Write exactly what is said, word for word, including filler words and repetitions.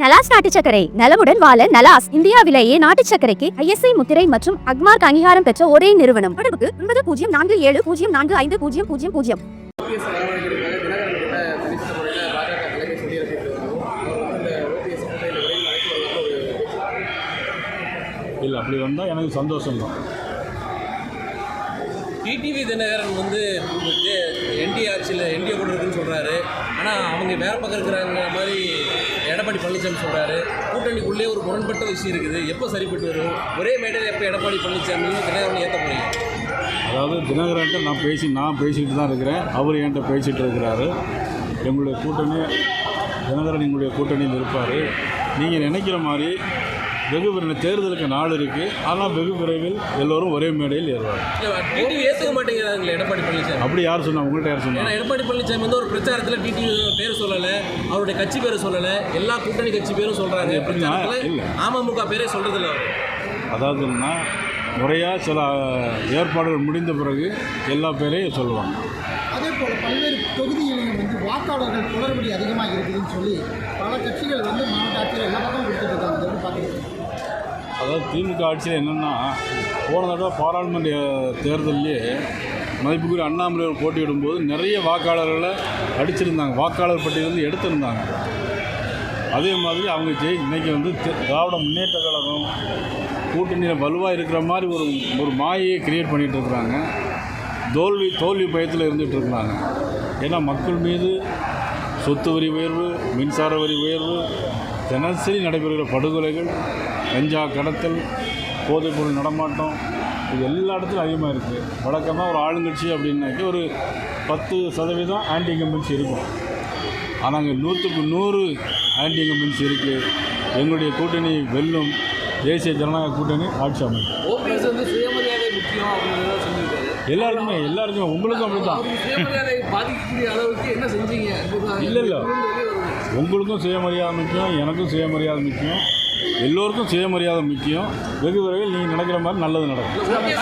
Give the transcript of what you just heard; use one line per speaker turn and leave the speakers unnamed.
நலாஸ் நாட்டு சர்க்கரை நலமுடன் வாழ நலாஸ் இந்தியாவிலேயே நாட்டு சர்க்கரைக்கு ஐஎஸ்ஐ முத்திரை மற்றும் அக்மார்க் அங்கீகாரம் பெற்ற ஒரே நிறுவனம். தொடர்புக்கு ஒன்பது பூஜ்ஜியம் நான்கு ஏழு பூஜ்ஜியம் நான்கு ஐந்து பூஜ்ஜியம் பூஜ்ஜியம் பூஜ்ஜியம்.
இல்லை, அப்படி வந்தால் எனக்கு சந்தோஷம்தான்.
டிடிவி தினகரன் வந்து என்டிஏ ஆட்சியில் என்டிஏ கூட இருக்குன்னு சொல்கிறாரு. ஆனால் அவங்க வேறு பக்கம் இருக்கிறாங்க மாதிரி எடப்பாடி பழனிசாமி சொல்கிறாரு. கூட்டணிக்குள்ளே ஒரு முரண்பட்ட விஷயம் இருக்குது. எப்போ சரிப்பட்டு வரும்? ஒரே மேடையில் எப்போ எடப்பாடி பழனிசாமியும் தினகரன் ஏற்ற போறீங்க?
அதாவது தினகரன்ட்ட நான் பேசி நான் பேசிக்கிட்டு தான் இருக்கிறேன். அவர் என்கிட்ட பேசிகிட்டு இருக்கிறாரு. எங்களுடைய கூட்டணி தினகரன் எங்களுடைய கூட்டணியில் இருப்பார். நீங்கள் நினைக்கிற மாதிரி வெகு விரைவில் தேர்தலுக்கு நாள் இருக்குது. ஆனால் வெகு விரைவில் எல்லோரும் ஒரே மேடையில் ஏறுவாங்க.
டிடிவி ஏற்றுக்க மாட்டேங்கிறாங்களே எடப்பாடி பழனிசாமி.
அப்படி யார் சொன்னா? உங்கள்கிட்ட யார் சொன்னா?
ஏன்னா எடப்பாடி பழனிசாமி வந்து ஒரு பிரச்சாரத்தில் டிடிவி பேர் சொல்லலை, அவருடைய கட்சி பேரை சொல்லலை, எல்லா கூட்டணி கட்சி பேரும் சொல்கிறாங்க.
இல்லை,
அமமுக பேரே சொல்கிறதில்ல அவர்.
அதாவதுன்னா முறையாக சில ஏற்பாடுகள் முடிந்த பிறகு எல்லா பேரையும் சொல்லுவாங்க.
அதே போல் பல்வேறு தொகுதிகளிலும் வந்து வாக்காளர்கள் குளறுபடி அதிகமாக இருக்குதுன்னு சொல்லி பல கட்சிகள் வந்து மாவட்ட ஆட்சியில் எல்லா பக்கம் கொடுத்துட்டு இருக்காங்க. பார்த்துக்கிட்டு
அதாவது திமுக ஆட்சியில் என்னென்னா, போன தடவை பாராளுமன்ற தேர்தலிலே மதிப்புக்குரிய அண்ணாமலை போட்டியிடும்போது நிறைய வாக்காளர்களை அடிச்சிருந்தாங்க, வாக்காளர் பட்டியலிருந்து எடுத்திருந்தாங்க. அதே மாதிரி அவங்க ஜெய் இன்றைக்கி வந்து திராவிட முன்னேற்ற கழகம் கூட்டணியில் வலுவாக இருக்கிற மாதிரி ஒரு ஒரு மாயையை கிரியேட் பண்ணிகிட்டு இருக்கிறாங்க. தோல்வி தோல்வி பயத்தில் இருந்துகிட்டு இருக்கிறாங்க. ஏன்னா மக்கள் மீது சொத்து வரி உயர்வு, மின்சார வரி உயர்வு, தினசரி நடைபெறுகிற படுகொலைகள், கஞ்சா கடத்தல், போதைப்பொருள் நடமாட்டம், இது எல்லா இடத்துலையும் அதிகமாக இருக்குது. வழக்கமாக ஒரு ஆளுங்கட்சி அப்படின்னாக்கி ஒரு பத்து சதவீதம் ஆன்டி இன்கம்பன்சி இருக்கும். ஆனால் அங்கே நூற்றுக்கு நூறு ஆன்டி இன்கம்பன்சி இருக்குது. எங்களுடைய கூட்டணி வெல்லும், தேசிய ஜனநாயக கூட்டணி ஆட்சி அமைக்கும்.
ஓபிஎஸ் வந்து சுயமரியாதை முக்கியம் அப்படின்னு சொல்லியிருக்காரு.
எல்லாருக்குமே எல்லாருக்குமே உங்களுக்கும் அப்படி தான்.
சுயமரியாதை பாதிக்கக்கூடிய அளவுக்கு என்ன செஞ்சீங்க?
இல்லை இல்லை, உங்களுக்கும் சுயமரியாதை முக்கியம், எனக்கும் சுயமரியாதை முக்கியம், எல்லோருக்கும் சுயமரியாதை முக்கியம். வெகு விரைவில் நீங்கள் நினைக்கிற மாதிரி நல்லது நடக்கும்.